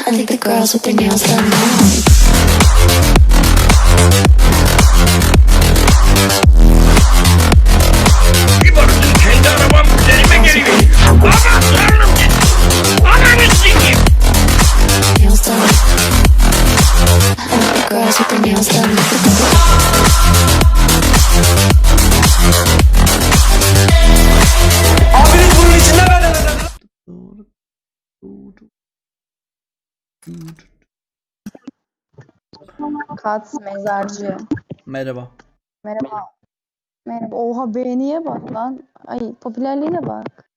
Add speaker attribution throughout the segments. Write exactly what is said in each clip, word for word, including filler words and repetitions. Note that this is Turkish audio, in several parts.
Speaker 1: I think the girls with their nails done now.
Speaker 2: İbaratın kendi arabam üzerime geliyor. Aman tanrım git. Ananı sikeyim.
Speaker 1: Nails done. I like the girls with their nails done.
Speaker 2: Abiniz bunun içinde ben
Speaker 3: Kat mezarcı.
Speaker 4: Merhaba.
Speaker 3: Merhaba. Merhaba. Oha beğeniye bak lan. Ay popülerliğine bak.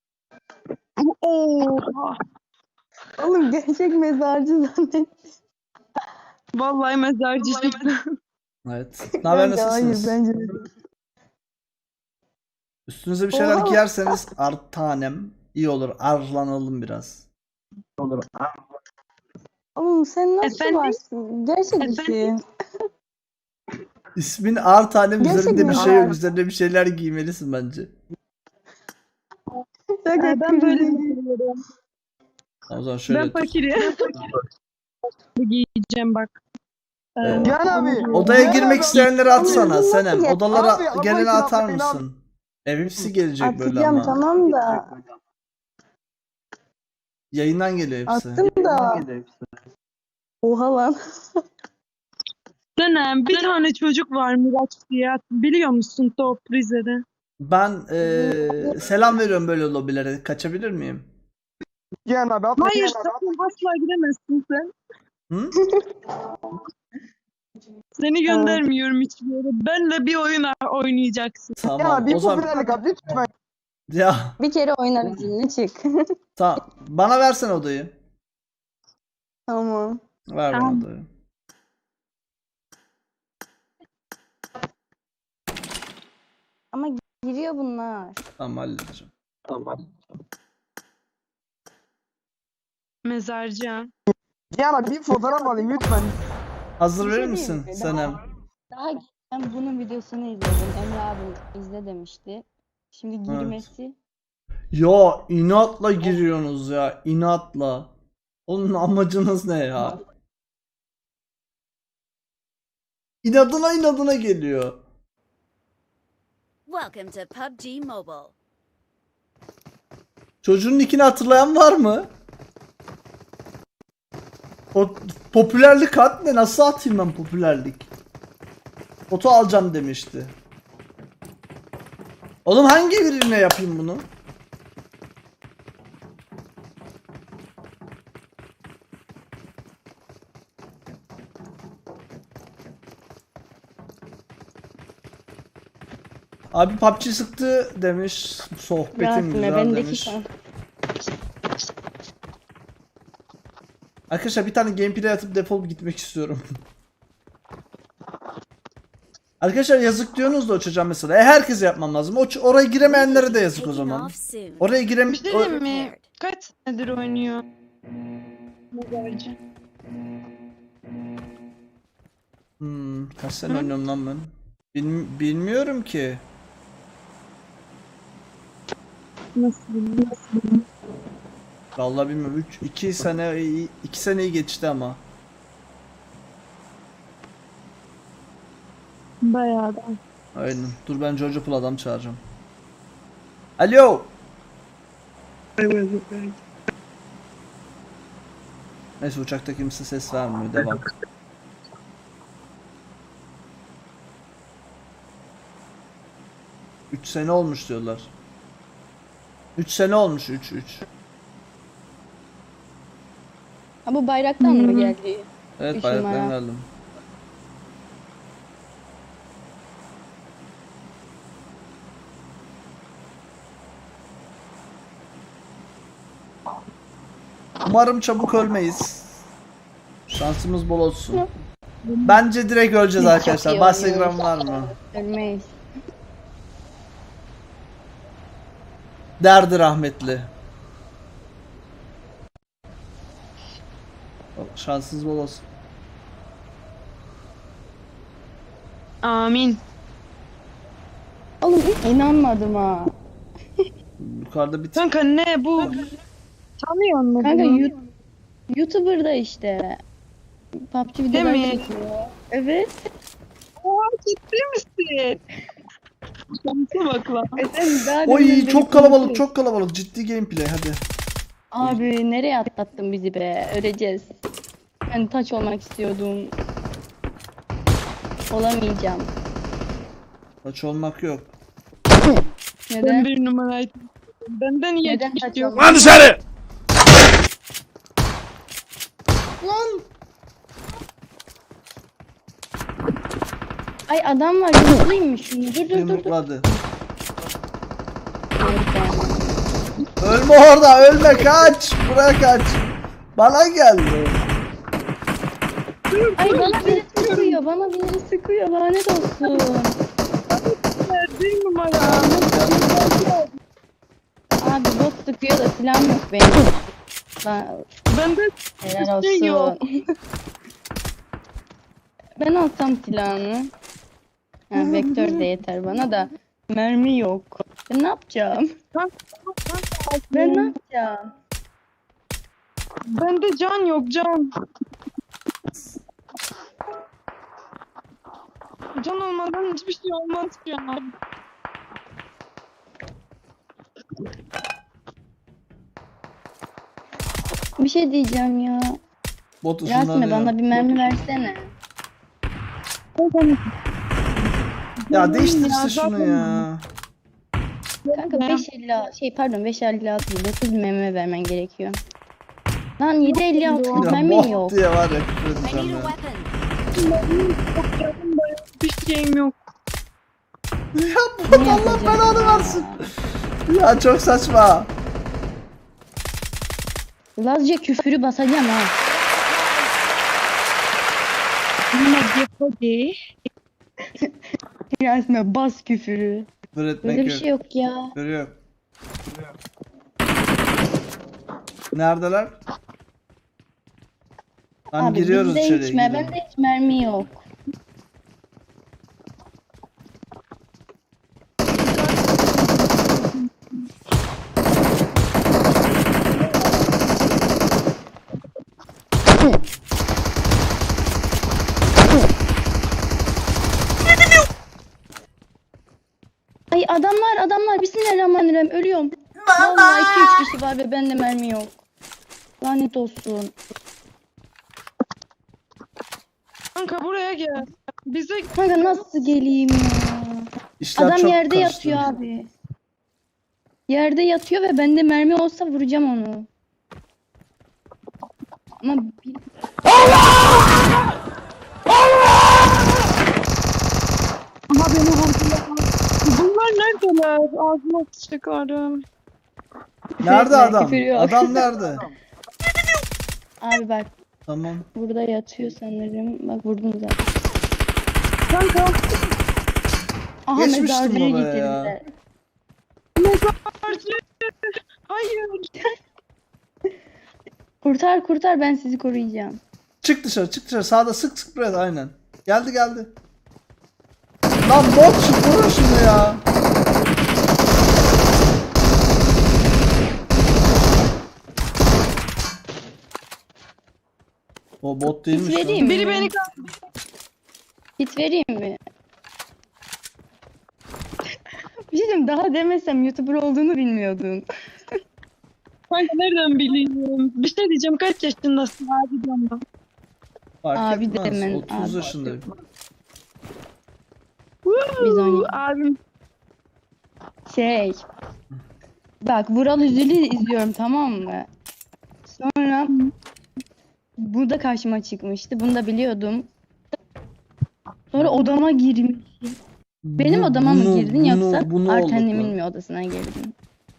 Speaker 5: Oha.
Speaker 3: Oğlum gerçek mezarcı zannettim.
Speaker 5: Vallahi mezarcı çıktı.
Speaker 4: Evet. Ne haber,
Speaker 3: Bence hayır
Speaker 4: nasılsınız?
Speaker 3: bence de.
Speaker 4: Üstünüze bir şeyler
Speaker 3: Oha.
Speaker 4: giyerseniz artanem iyi olur. Arlanalım biraz.
Speaker 3: Oğlum sen nasıl
Speaker 5: Efendim?
Speaker 3: varsın? Gerçek
Speaker 5: Efendim?
Speaker 3: misin?
Speaker 4: İsmin artanem,
Speaker 3: Gerçek
Speaker 4: üzerinde bir
Speaker 3: mi?
Speaker 4: şey yok.
Speaker 3: Art.
Speaker 4: Üzerinde bir şeyler giymelisin bence.
Speaker 3: Şaka
Speaker 5: Ee, ben böyle
Speaker 3: kırmızı.
Speaker 5: düşünüyorum.
Speaker 4: O zaman şöyle
Speaker 5: Ben
Speaker 4: tut.
Speaker 5: fakirim. Bu giyeceğim bak. Ee,
Speaker 4: Ee,
Speaker 6: Can abi.
Speaker 4: Odaya
Speaker 6: Can
Speaker 4: girmek
Speaker 6: abi.
Speaker 4: isteyenleri atsana
Speaker 3: Abi,
Speaker 4: Senem.
Speaker 3: abi,
Speaker 4: Odalara
Speaker 6: abi,
Speaker 4: geleni
Speaker 6: abi,
Speaker 4: atar
Speaker 6: abi.
Speaker 4: mısın? Hepsi gelecek böyle
Speaker 3: Atacağım
Speaker 4: ama.
Speaker 3: tamam da.
Speaker 4: Yayından geliyor hepsi.
Speaker 3: Attım da. Oha lan.
Speaker 5: Dönem bir tane çocuk var Miraç diye. Biliyor musun Top Rize'de?
Speaker 4: Ben eee, selam veriyorum böyle lobilere. Kaçabilir miyim?
Speaker 6: Can abi. atla,
Speaker 5: Hayır
Speaker 6: Can abi, atla.
Speaker 5: sakın asla giremezsin sen.
Speaker 4: Hı?
Speaker 5: Seni göndermiyorum hiçbir yere. Benle bir oyun oynayacaksın.
Speaker 6: Can
Speaker 4: Tamam.
Speaker 6: abi
Speaker 4: O
Speaker 6: bir
Speaker 4: zaman
Speaker 6: popülerlik abi lütfen.
Speaker 4: ya
Speaker 3: Bir kere oynar izinli çık.
Speaker 4: tamam. Bana versene odayı.
Speaker 3: Tamam.
Speaker 4: Ver bana
Speaker 5: Tamam.
Speaker 4: odayı.
Speaker 3: Ama giriyor bunlar.
Speaker 4: Tamam, halledeceğim.
Speaker 5: Mezarcı ha.
Speaker 6: Can abi bir fotoğraf alayım lütfen.
Speaker 4: Hazır
Speaker 3: Bir
Speaker 4: verir
Speaker 3: şey
Speaker 4: misin
Speaker 3: diyeyim mi?
Speaker 4: Senem?
Speaker 3: Daha ben bunun videosunu izledim. Emre abim izle demişti. Şimdi girmesi.
Speaker 4: Ya inatla giriyorsunuz ya. İnatla. Onun amacınız ne ya? İnadına inadına geliyor.
Speaker 7: Welcome to P U B G Mobile.
Speaker 4: Çocuğun nickini hatırlayan var mı? O popülerlik at ne? Nasıl atayım ben popülerlik? Foto alacağım demişti. Oğlum hangi birine yapayım bunu? Abi P U B G sıktı demiş. Sohbetin
Speaker 3: Rahatım
Speaker 4: güzel
Speaker 3: bendeki
Speaker 4: demiş.
Speaker 3: şans.
Speaker 4: Arkadaşlar bir tane gameplay atıp defolup gitmek istiyorum. Arkadaşlar yazık diyorsunuz da o çocuğa mesela. E herkese yapmam lazım. O oraya giremeyenlere de yazık o
Speaker 7: Taking
Speaker 4: zaman.
Speaker 7: off soon.
Speaker 4: Oraya girem
Speaker 5: Bir şey
Speaker 4: o-
Speaker 5: diyeyim mi? Kaç senedir oynuyor? Mezarcı.
Speaker 4: Hmm, kaç sene oynuyorum lan ben? Bil- bilmiyorum ki.
Speaker 5: Nasıl bilmiyorum. Nasıl bilmiyorum.
Speaker 4: Vallahi bilmiyorum. üç iki sene iki seneyi geçti ama.
Speaker 5: Bayağı da.
Speaker 4: Aynen. Dur ben George Pool adam çağıracağım. Alo. Neyse uçakta kimse ses vermiyor. Devam. üç sene olmuş diyorlar. üç sene olmuş üç üç.
Speaker 3: Ha bu bayraktan mı
Speaker 5: Hmm.
Speaker 3: geldi?
Speaker 4: Evet
Speaker 3: Üç
Speaker 4: bayraktan
Speaker 3: numara.
Speaker 4: geldim. Umarım çabuk ölmeyiz. Şansımız bol olsun. Bence direkt öleceğiz
Speaker 3: Çok
Speaker 4: arkadaşlar.
Speaker 3: iyi
Speaker 4: Bahsegram var
Speaker 3: oynuyoruz.
Speaker 4: mı?
Speaker 3: Ölmeyiz.
Speaker 4: Derdi rahmetli. Şansınız bol olsun.
Speaker 5: Amin.
Speaker 3: Oğlum inanmadım ha.
Speaker 4: Yukarıda bir
Speaker 5: Kanka ne bu? Tanıyor musun
Speaker 3: Kanka
Speaker 5: bunu?
Speaker 3: Yu- YouTuber da işte. P U B G videolar
Speaker 5: mi?
Speaker 3: çekiyor. Evet.
Speaker 5: Oha ciddi misin? Şansa bak lan.
Speaker 3: E sen daha
Speaker 4: Oy
Speaker 3: demin beni
Speaker 4: çok kalabalık
Speaker 3: konuşuyordun.
Speaker 4: çok kalabalık ciddi gameplay hadi.
Speaker 3: Abi nereye atlattın bizi be? Öleceğiz. Ben taç olmak istiyordum. Olamayacağım.
Speaker 4: Maç olmak yok.
Speaker 5: Ben
Speaker 3: Neden?
Speaker 5: bir numaraydım. Benden iyi
Speaker 3: Neden taç
Speaker 5: geçiyor.
Speaker 3: olmak?
Speaker 2: Lan dışarı!
Speaker 4: Lan.
Speaker 3: Ay adam var. Yumruklayayım mı şunu? Dur dur dur dur.
Speaker 4: Yumrukladı.
Speaker 3: Harika.
Speaker 4: Ölme orada ölme kaç. Buraya kaç. Bana geldi.
Speaker 3: Ay bana biri sıkıyor. Bana biri sıkıyor. Lanet olsun.
Speaker 5: Bir numara.
Speaker 3: Abi bot sıkıyor da silahım yok benim. Ben,
Speaker 5: Bende
Speaker 3: helal
Speaker 5: şey yok.
Speaker 3: olsun. Ben alsam silahını. Ha, vektör de yeter bana da. Mermi yok. Ben ne yapacağım? Ben ne yapacağım?
Speaker 5: Bende can yok can. Can olmadan hiçbir şey olmaz ya.
Speaker 3: Bir şey diyeceğim ya.
Speaker 4: Bot
Speaker 3: Rasmi
Speaker 4: ışınlanıyor.
Speaker 3: bana bir mermi versene.
Speaker 4: Ya değiştir
Speaker 5: Ya,
Speaker 4: işte şunu
Speaker 5: zaten-
Speaker 4: ya.
Speaker 3: Kanka beş elli şey pardon beş elli altı değil dokuz mermi vermen gerekiyor. Lan yedi elli altı
Speaker 4: Ya
Speaker 3: mermi
Speaker 4: bot
Speaker 3: yok.
Speaker 4: diye var ya küfür
Speaker 7: I
Speaker 4: edeceğim
Speaker 7: need a
Speaker 4: ya.
Speaker 7: weapon.
Speaker 5: Bir şeyim yok.
Speaker 4: Ya bot
Speaker 3: Ne
Speaker 4: Allah
Speaker 3: yapacağım
Speaker 4: belanı
Speaker 3: ya?
Speaker 4: versin. Ya çok saçma.
Speaker 3: Lazca küfürü basacağım ha.
Speaker 5: Hadi.
Speaker 3: Resme bas küfürü.
Speaker 4: Küfür etmek
Speaker 3: Böyle bir
Speaker 4: yok.
Speaker 3: şey yok ya.
Speaker 4: Küfür yok. Neredeler? Tamam
Speaker 3: Abi
Speaker 4: giriyoruz
Speaker 3: bizde
Speaker 4: içeriye.
Speaker 3: hiç, mer-
Speaker 4: girelim.
Speaker 3: bende hiç mermi yok. Ay adamlar adamlar bismillahirrahmanirrahim ölüyorum. Vallahi iki üç kişi var ve bende mermi yok. Lanet olsun.
Speaker 5: Kanka buraya gel. Bize
Speaker 3: Kanka nasıl geleyim ya?
Speaker 4: İşler
Speaker 3: Adam
Speaker 4: çok
Speaker 3: yerde
Speaker 4: karıştı.
Speaker 3: yatıyor abi. Yerde yatıyor ve bende mermi olsa vuracağım onu. Ama bir...
Speaker 5: ama beni vurdular. Bunlar neredeler? Ağzıma sıçtıklarım.
Speaker 4: Nerede
Speaker 3: Küfür-
Speaker 4: adam?
Speaker 3: küfür yok.
Speaker 4: Adam nerede?
Speaker 3: Abi bak
Speaker 4: Tamam.
Speaker 3: burada yatıyor sanırım. Bak vurdum zaten.
Speaker 5: Kanka.
Speaker 3: Aha
Speaker 4: Geçmiştim
Speaker 3: mezarcıyı
Speaker 4: oraya ya.
Speaker 3: getirdiler.
Speaker 5: Mezarcı. Hayır.
Speaker 3: Kurtar kurtar ben sizi koruyacağım.
Speaker 4: Çık dışarı çık dışarı. Sağda sık sık buraya da aynen. Geldi geldi. Lan bot şu vurun şunu ya. O bot değilmiş.
Speaker 3: Hit
Speaker 4: lan.
Speaker 3: vereyim mi?
Speaker 5: Biri beni
Speaker 3: Hit vereyim mi? Bir şey diyeyim, daha demesem YouTuber olduğunu bilmiyordun.
Speaker 5: kanka nereden bileyim? Bir şey diyeceğim. Kaç yaşındasın abi canım?
Speaker 4: Fark
Speaker 3: Abi
Speaker 4: etmez.
Speaker 3: demen,
Speaker 4: otuz
Speaker 3: abi.
Speaker 4: yaşındayım.
Speaker 3: Biz oynayalım.
Speaker 5: Abim.
Speaker 3: Şey. Bak Vural Üzül'ü izliyorum tamam mı? Sonra bu da karşıma çıkmıştı. Bunu da biliyordum. Sonra odama girmiş. Benim
Speaker 4: Bu-
Speaker 3: odama mı
Speaker 4: bunu-
Speaker 3: girdin
Speaker 4: bunu-
Speaker 3: yoksa
Speaker 4: bunu olduk
Speaker 3: Artenim'in
Speaker 4: lan.
Speaker 3: mi odasına girdin?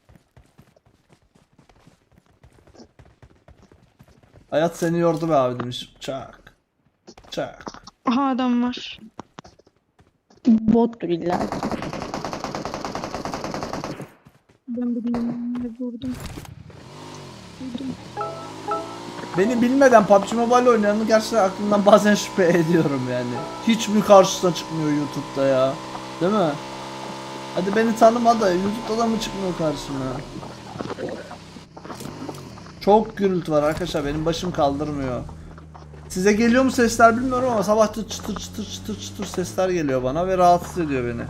Speaker 4: Hayat seni yordu be abi demiş. Çak. Çak.
Speaker 5: Aha adam var.
Speaker 3: Bottur illa.
Speaker 5: Ben bilmiyorum. Ne vurdum. Vurdum.
Speaker 4: Beni bilmeden P U B G Mobile oynayanı gerçekten aklımdan bazen şüphe ediyorum yani. Hiç mi karşısına çıkmıyor YouTube'da ya? Değil mi? Hadi beni tanıma da YouTube'da da mı çıkmıyor karşına? Çok gürültü var arkadaşlar, benim başım kaldırmıyor. Size geliyor mu sesler bilmiyorum ama sabah çıtır çıtır çıtır çıtır çıtır sesler geliyor bana ve rahatsız ediyor beni.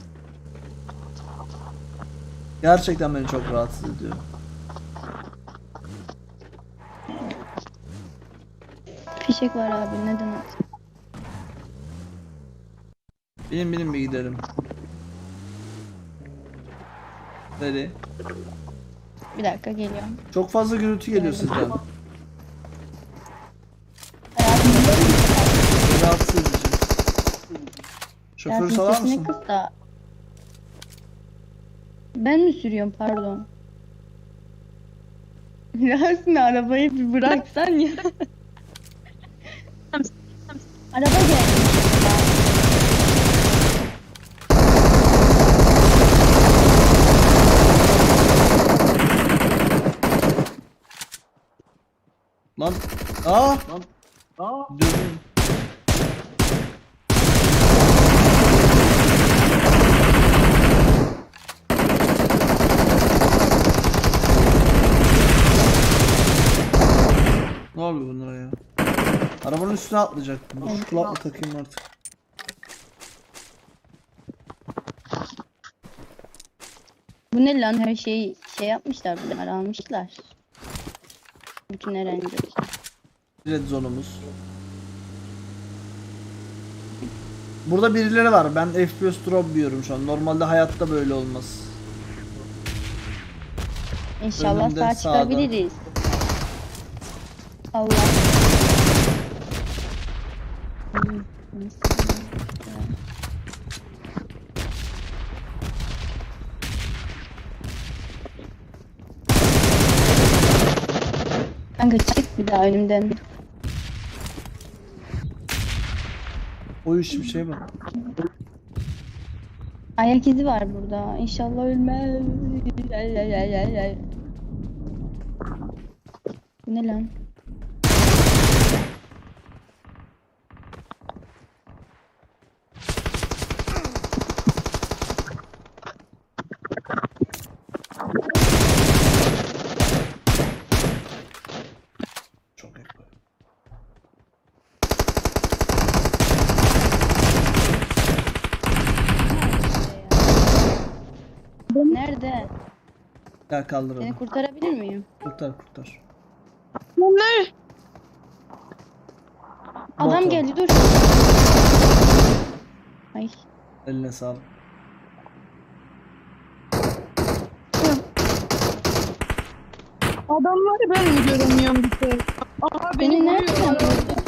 Speaker 4: Gerçekten beni çok rahatsız ediyor.
Speaker 3: Fişek var abi, neden at?
Speaker 4: Benim benim bir gidelim. Nereye?
Speaker 3: Bir dakika geliyorum.
Speaker 4: Çok fazla gürültü geliyor sizden. Rahatsız edici. Şoförü
Speaker 3: Yasin
Speaker 4: salar
Speaker 3: sesini
Speaker 4: mısın?
Speaker 3: kıs da. Ben mi sürüyorum, pardon. Yasin arabayı bir bıraksan ya. Araba gelmiş.
Speaker 4: Lan. Aa. Lan. Aa. Dönüyorum. Ne oluyor bunlara ya? Arabanın üstüne atlayacak. Dur, kulaklık takayım artık.
Speaker 3: Bu ne lan, her şeyi şey yapmışlar, bunlar almışlar. Bütün eğlence.
Speaker 4: Red zone'umuz. Burada birileri var. Ben F P S drop yiyorum şu an. Normalde hayatta böyle olmaz.
Speaker 3: İnşallah
Speaker 4: Önümde,
Speaker 3: sağ
Speaker 4: sağda.
Speaker 3: çıkabiliriz. Allah. Hmm, neyse. Kanka çık bir daha önümden.
Speaker 4: O iş bir şey bak.
Speaker 3: Ayak izi var burada. İnşallah ölmez. Ay, ay, ay, ay, ay. Bu ne lan?
Speaker 4: Çok ekber.
Speaker 3: Nerede?
Speaker 4: Gel kaldıralım.
Speaker 3: Seni kurtarabilir miyim?
Speaker 4: Kurtar kurtar.
Speaker 5: Bunlar
Speaker 3: Adam
Speaker 4: Bot o.
Speaker 3: geldi, dur. Ay.
Speaker 4: Eline sağlık.
Speaker 5: adamları ben mi göremiyorum bir şey? Aa
Speaker 3: Beni
Speaker 5: beni
Speaker 3: nereden
Speaker 5: vuruyorlar.
Speaker 3: gördün?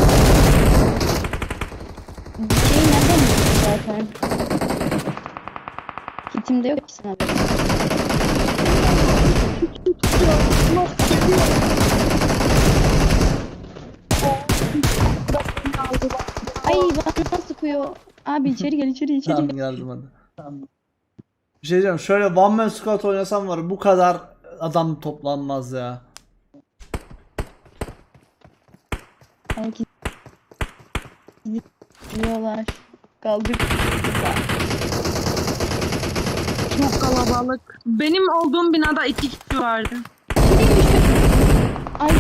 Speaker 3: Bir şeyi nereden buldun zaten? Kitimde yok ki sana. Ay bana sıkıyor. Abi içeri gel, içeri içeri
Speaker 4: Tamam
Speaker 3: gel.
Speaker 4: geldim hadi. Bir şey diyeceğim. Şöyle one man squad oynasam var ya, bu kadar adam toplanmaz ya.
Speaker 3: Herkes diyorlar. Kaldık.
Speaker 5: Çok kalabalık. Benim olduğum binada iki kişi vardı.
Speaker 3: Ay.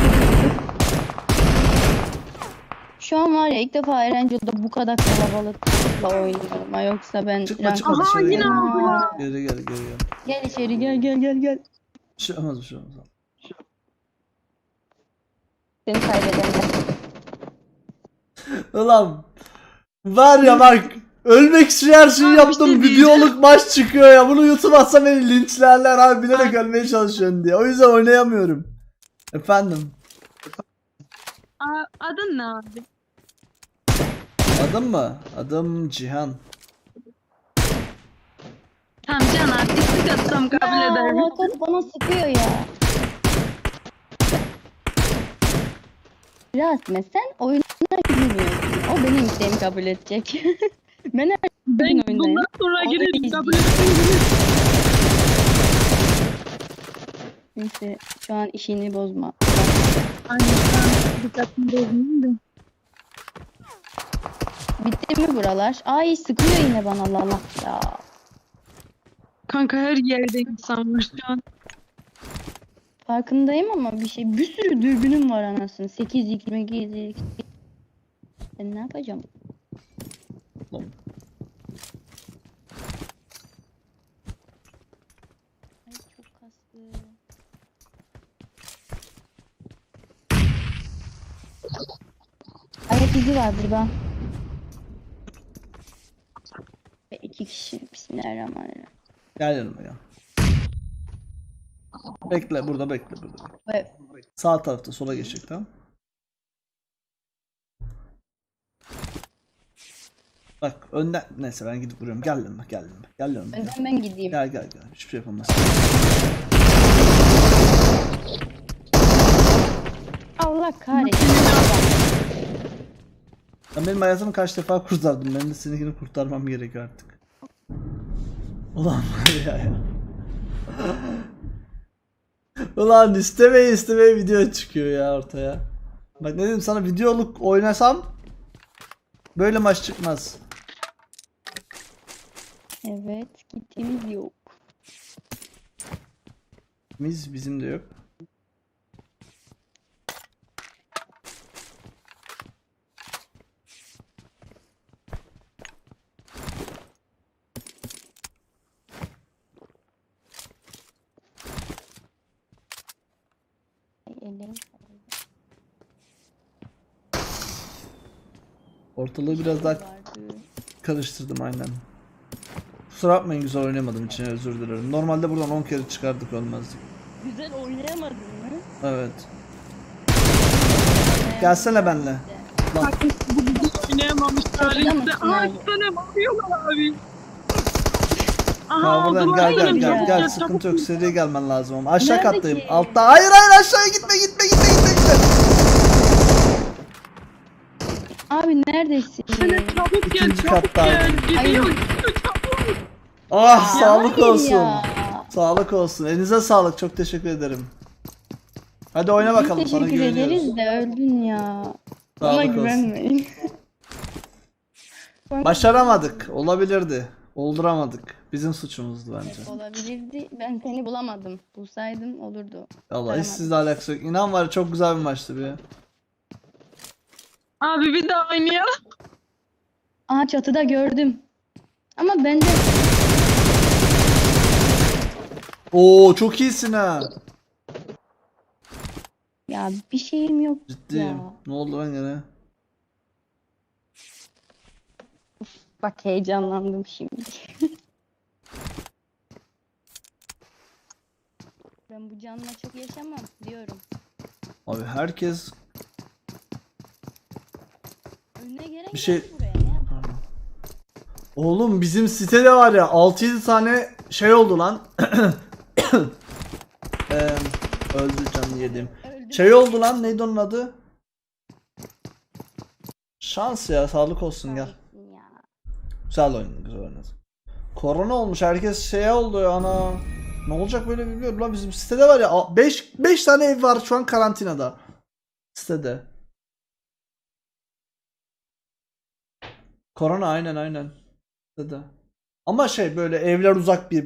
Speaker 3: Şu an var ya, ilk defa Erencil'de bu kadar kalabalıkla oynuyorum. Ha, yoksa ben
Speaker 4: Çıkma
Speaker 3: rank-
Speaker 4: çıkma
Speaker 5: Aha,
Speaker 4: dışarı
Speaker 5: yine
Speaker 4: gel.
Speaker 5: aldılar.
Speaker 4: Geri gel geri gel.
Speaker 3: Gel içeri, gel gel gel gel.
Speaker 4: Bir şey olmaz bir şey olmaz.
Speaker 3: Seni kaybedemem.
Speaker 4: Ulan var ya bak, ölmek için her şeyi
Speaker 5: Abi bir
Speaker 4: yaptım,
Speaker 5: şey
Speaker 4: videoluk maç çıkıyor ya, bunu YouTube atsa beni linçlerler abi, bilerek ölmeye çalışıyorsun diye, o yüzden oynayamıyorum. Efendim,
Speaker 5: Aa, adın ne abi?
Speaker 4: adım mı? Adım Cihan.
Speaker 5: Tamam Can abi istek atsam kabul
Speaker 3: Ya
Speaker 5: ederim.
Speaker 3: Hakan bana sıkıyor ya. Rasme sen oyuna girmiyorsun. O benim isteğimi kabul edecek. Ben her
Speaker 5: Ben
Speaker 3: gün oyundayım.
Speaker 5: bundan sonra
Speaker 3: O da
Speaker 5: girerim
Speaker 3: izliyor.
Speaker 5: kabul ederim.
Speaker 3: Neyse şu an işini bozma.
Speaker 5: Aynen ben dikkatimi bozmayayım da.
Speaker 3: Bitti mi buralar? Ay sıkıyor yine bana, Allah Allah ya.
Speaker 5: Kanka her yerde insan var şu an.
Speaker 3: Farkındayım ama bir şey, bir sürü dürbünüm var anasını. sekiz x, sekiz x. Ben ne yapacağım?
Speaker 4: Lan.
Speaker 3: Ay çok kastı. Ayak izi var burada. Ve iki kişi. Bismillahirrahmanirrahim.
Speaker 4: Gel yanıma ya. Bekle burada bekle burada.
Speaker 3: Ve
Speaker 4: Sağ tarafta sola geçecek tamam. Bak önden neyse ben gidip vuruyorum. Gel yanıma gel yanıma. Gel yanıma. Gel
Speaker 3: önden ben gideyim.
Speaker 4: gel gel. gel. Hiçbir şey yapamaz.
Speaker 3: Allah kahretsin.
Speaker 4: Sen benim hayatımı kaç defa kurtardın. Ben de seninkini kurtarmam gerekiyor artık. Ulan var ya ya. Ulan istemeye istemeye video çıkıyor ya ortaya. Bak ne dedim sana, videoluk oynasam böyle maç çıkmaz.
Speaker 3: Evet, gittiğimiz yok.
Speaker 4: Biz bizim de yok.
Speaker 3: Ay, ellerim.
Speaker 4: Ortalığı biraz daha
Speaker 3: Vardı.
Speaker 4: karıştırdım aynen. Kusura bakmayın güzel oynamadım için özür dilerim. Normalde buradan on kere çıkardık ölmezdik.
Speaker 3: Güzel oynayamadın mı?
Speaker 4: Evet. Gelsene benle. Lan
Speaker 5: Oynayamamış
Speaker 3: Çatıda mısın
Speaker 5: tarihte. Aa
Speaker 3: abi?
Speaker 5: iki tane bakıyorlar abi.
Speaker 4: ya buradan
Speaker 5: aldılar
Speaker 4: gel gel
Speaker 5: beni.
Speaker 4: gel
Speaker 5: Çabuk
Speaker 4: gel
Speaker 5: gel,
Speaker 4: sıkıntı
Speaker 5: çabuk
Speaker 4: yok, seri gelmen lazım ama aşağı
Speaker 3: Nerede
Speaker 4: kattayım.
Speaker 3: ki?
Speaker 4: Altta hayır hayır aşağıya gitme gitme gitme gitme gitme.
Speaker 3: Abi neredesin?
Speaker 5: Hele çabuk gel
Speaker 4: İkinci
Speaker 5: çabuk
Speaker 4: katta
Speaker 5: gel.
Speaker 4: aldım.
Speaker 5: Gidiyor
Speaker 3: Ay.
Speaker 5: gidiyor çabuk.
Speaker 4: Ah
Speaker 3: Ya
Speaker 4: sağlık
Speaker 3: hayır
Speaker 4: olsun.
Speaker 3: ya.
Speaker 4: Sağlık olsun. Elinize sağlık. Çok teşekkür ederim. Hadi oyna
Speaker 3: Biz
Speaker 4: bakalım. Sana
Speaker 3: teşekkür
Speaker 4: güveniyoruz.
Speaker 3: ederiz de öldün ya. Bana
Speaker 4: Sağlık olsun.
Speaker 3: güvenmeyin.
Speaker 4: Başaramadık. Olabilirdi. Olduramadık. Bizim suçumuzdu bence.
Speaker 3: Evet, olabilirdi. Ben seni bulamadım. Bulsaydım olurdu.
Speaker 4: Allah hiç sizle alakası yok. İnan var ya, çok güzel bir maçtı bir.
Speaker 5: Abi bir daha oynayalım.
Speaker 3: Aa çatıda gördüm. Ama bende
Speaker 4: Oo çok iyisin ha.
Speaker 3: ya bir şeyim yok
Speaker 4: Ciddiyim.
Speaker 3: ya.
Speaker 4: Ne oldu lan gene?
Speaker 3: Bak heyecanlandım şimdi. Ben bu canla çok yaşamam diyorum.
Speaker 4: Abi herkes
Speaker 3: Önüne gelen
Speaker 4: Bir şey-
Speaker 3: geldi buraya. Ne yapalım?
Speaker 4: Oğlum bizim sitede var ya altı yedi tane şey oldu lan. Eee öldü canını yedim.
Speaker 3: Öldüm.
Speaker 4: Şey oldu lan, neydi onun adı? Şans ya, sağlık olsun gel.
Speaker 3: Kahretsin ya.
Speaker 4: Güzel oynadın, güzel oynadın. Korona olmuş, herkes şeye oldu ya ana. Ne olacak böyle bilmiyorum lan, bizim sitede var ya beş beş tane ev var şu an karantinada. Sitede. Korona aynen aynen. Sitede. Ama şey böyle evler uzak bir